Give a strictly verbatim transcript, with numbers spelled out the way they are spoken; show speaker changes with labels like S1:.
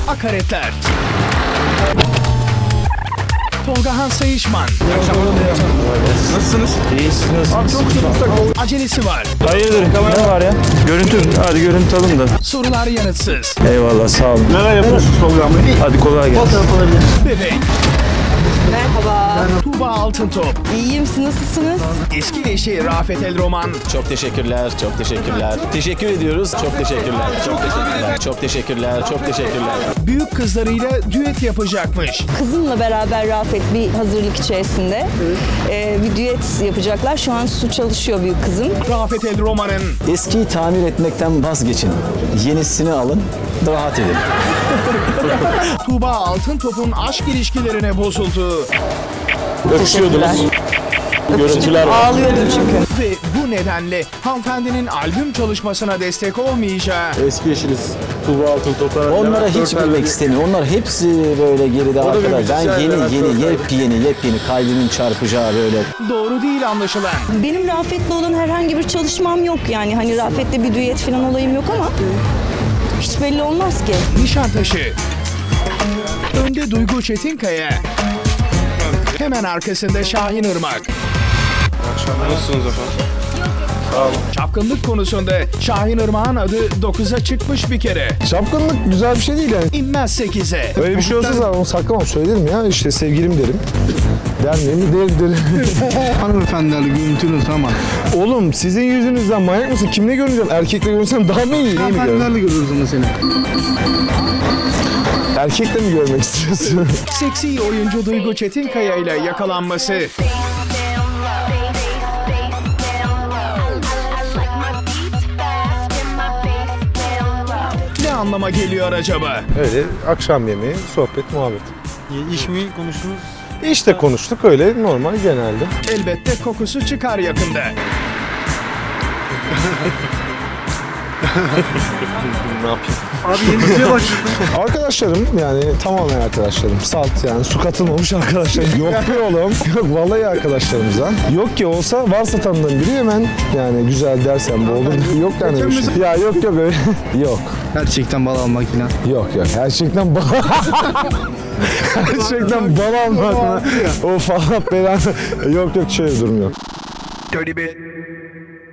S1: Akaretler. Tolga Han Sayışman.
S2: Nasılsınız?
S3: İyisiniz.
S2: Abi çok sıkıştık.
S1: Acelesi var.
S3: Hayırdır, kamera var ya? Görüntü, hadi görüntü alın da.
S1: Sorular yanıtsız.
S3: Eyvallah, sağ olun.
S2: Neler yapıyorsunuz Tolga Bey?
S3: Hadi kolay gelsin.
S2: Fotoğraf alabilir.
S1: Bebek.
S4: Merhaba.
S1: Tuğba Altıntop.
S4: İyiyim, siz nasılsınız?
S1: Eski eşi Rafet El Roman.
S5: Çok teşekkürler, çok teşekkürler. Teşekkür ediyoruz. Çok teşekkürler, çok teşekkürler. Çok teşekkürler, çok teşekkürler.
S1: Büyük kızlarıyla düet yapacakmış.
S4: Kızımla beraber Rafet bir hazırlık içerisinde ee, bir düet yapacaklar. Şu an su çalışıyor büyük kızım.
S1: Rafet El Roman'ın
S5: Eskiyi tamir etmekten vazgeçin. Yenisini alın, rahat edin.
S1: Tuğba Altıntop'un aşk ilişkilerine bozulduğu
S5: Öpüşüyordunuz. Görüntüler var.
S4: Ağlıyordum çünkü.
S1: ve bu nedenle hanımefendinin albüm çalışmasına destek olmayacağı
S2: Eski eşiniz Tuğba Altıntop'lara.
S5: Onlara hiç bilmek istemiyorum. Onlar hepsi böyle geride arkadaş. Ben
S2: müzisyen,
S5: yeni
S2: Levent
S5: yeni
S2: Körper.
S5: yepyeni yepyeni kalbimin çarpacağı böyle.
S1: doğru değil anlaşılan.
S4: Benim Rafet'le olan herhangi bir çalışmam yok yani. Hani Rafet'le bir düet falan olayım yok ama hiç belli olmaz ki.
S1: Nişantaşı. Önde Duygu Çetinkaya. Hemen arkasında Şahin Irmak.
S2: Nasılsınız efendim?
S1: Çapkınlık konusunda Şahin Irmak'ın adı dokuza çıkmış bir kere.
S6: Çapkınlık güzel bir şey değil yani.
S1: İnmez sekize.
S6: Öyle bir şey olsa zaten onu saklamam, söylerim ya. İşte sevgilim derim. Der miyim? Derim derim.
S2: Hanımefendilerle görüntünüz ama.
S6: Oğlum sizin yüzünüzden manyak mısın? Kimle görüneceğim? Erkekle görünsem daha mı iyi? Neyi mi görüyorum?
S2: Hanımefendilerle görürüz ama seni.
S6: Erkekle mi görmek istiyorsun?
S1: Seksi oyuncu Duygu Çetinkaya ile yakalanması. Ne anlama geliyor acaba?
S6: Öyle akşam yemeği, sohbet, muhabbet.
S2: İş mi konuştunuz?
S6: İşte konuştuk öyle normal genelde.
S1: Elbette kokusu çıkar yakında.
S2: Ne yapayım? Abi yeni diziye başladın.
S6: Arkadaşlarım yani tamamen arkadaşlarım. Salt yani su katılmamış arkadaşlarım. Yok be oğlum. Yok vallahi arkadaşlarımızdan. Yok ki olsa varsa tanıdığım biri hemen yani güzel dersen bu olur. Yok yani bir şey. Ya yok yok öyle. Yok.
S2: Gerçekten bal almak falan.
S6: Yok yok. Gerçekten bal. Gerçekten bal almak mı? O falan belanı. Yok yok şöyle durum yok.
S1: Dirty bit.